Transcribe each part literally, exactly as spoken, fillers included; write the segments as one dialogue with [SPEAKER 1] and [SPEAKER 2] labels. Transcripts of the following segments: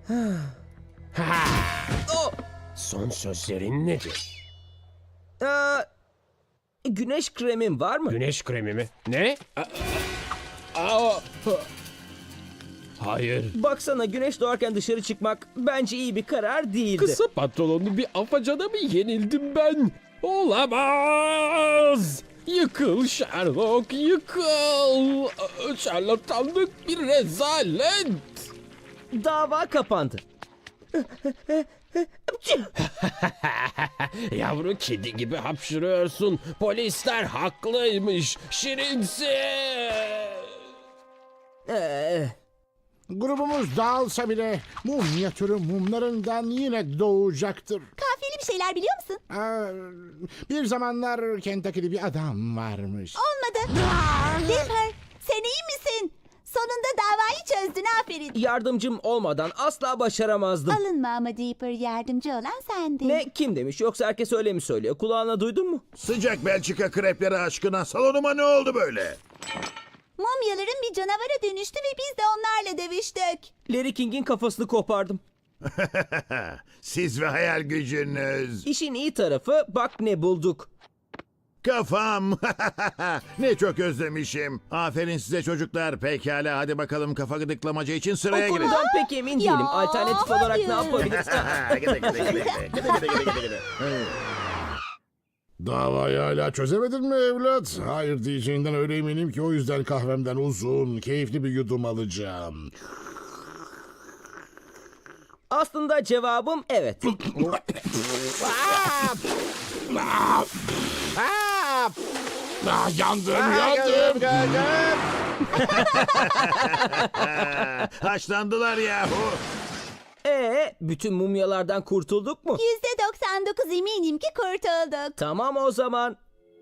[SPEAKER 1] Ha!
[SPEAKER 2] Oh!
[SPEAKER 1] Son sözlerin nedir?
[SPEAKER 2] Aa, güneş kremin var mı?
[SPEAKER 1] Güneş kremi mi? Ne? Aa, aa, hayır.
[SPEAKER 2] Baksana, güneş doğarken dışarı çıkmak bence iyi bir karar değildi.
[SPEAKER 1] Kısa pantolonlu bir afacana mı yenildim ben? Olamaz! Yıkıl Sherlock, yıkıl! Şarlatanlık bir rezalet!
[SPEAKER 2] Dava kapandı.
[SPEAKER 1] Yavru kedi gibi hapşırıyorsun. Polisler haklıymış. Şirinsin.
[SPEAKER 2] Ee,
[SPEAKER 3] Grubumuz dağılsa bile mumya türü mumlarından yine doğacaktır.
[SPEAKER 4] Kafiyeli bir şeyler biliyor musun?
[SPEAKER 3] Aa, bir zamanlar Kentucky'de bir adam varmış.
[SPEAKER 4] Olmadı. Dipper, sen iyi misin? Sonunda davayı çözdün, aferin.
[SPEAKER 2] yardımcım olmadan asla başaramazdım.
[SPEAKER 4] Alınma ama Dipper, yardımcı olan sendin.
[SPEAKER 2] Ne, kim demiş, yoksa herkes öyle mi söylüyor? Kulağına duydun mu?
[SPEAKER 5] Sıcak Belçika krepleri aşkına salonuma ne oldu böyle?
[SPEAKER 4] Mumyaların bir canavara dönüştü ve biz de onlarla dövüştük.
[SPEAKER 2] Larry King'in kafasını kopardım.
[SPEAKER 5] Siz ve hayal gücünüz.
[SPEAKER 2] İşin iyi tarafı, bak ne bulduk.
[SPEAKER 5] Kafam. Ne çok özlemişim. Aferin size çocuklar. Pekala hadi bakalım kafa gıdıklamaca için
[SPEAKER 2] O
[SPEAKER 5] sıraya girin.
[SPEAKER 2] konudan pek emin değilim.
[SPEAKER 4] Ya,
[SPEAKER 2] Alternatif olarak ne
[SPEAKER 4] hayır.
[SPEAKER 2] yapabiliriz?
[SPEAKER 5] Gide, gide, gide, gide. Gide, gide, gide, gide, gide.
[SPEAKER 3] Davayı hala çözemedin mi evlat? Hayır diyeceğinden öyle eminim ki o yüzden kahvemden uzun, keyifli bir yudum alacağım.
[SPEAKER 2] Aslında cevabım evet.
[SPEAKER 3] Ah, yandım, yandım.
[SPEAKER 5] Haşlandılar yahu.
[SPEAKER 2] Ee, bütün mumyalardan kurtulduk mu?
[SPEAKER 4] Yüzde doksan dokuz eminim ki kurtulduk.
[SPEAKER 2] Tamam o zaman.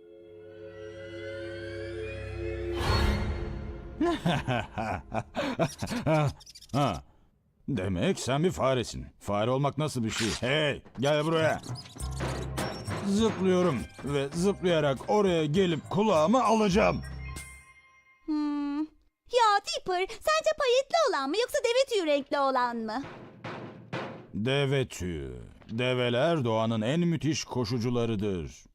[SPEAKER 6] Ha. Demek sen bir faresin. Fare olmak nasıl bir şey? Hey, gel buraya. Zıplıyorum ve zıplayarak oraya gelip kulağımı alacağım.
[SPEAKER 4] Hmm. Ya Dipper, sence payetli olan mı yoksa deve tüyü renkli olan mı?
[SPEAKER 6] Deve tüyü. Develer doğanın en müthiş koşucularıdır.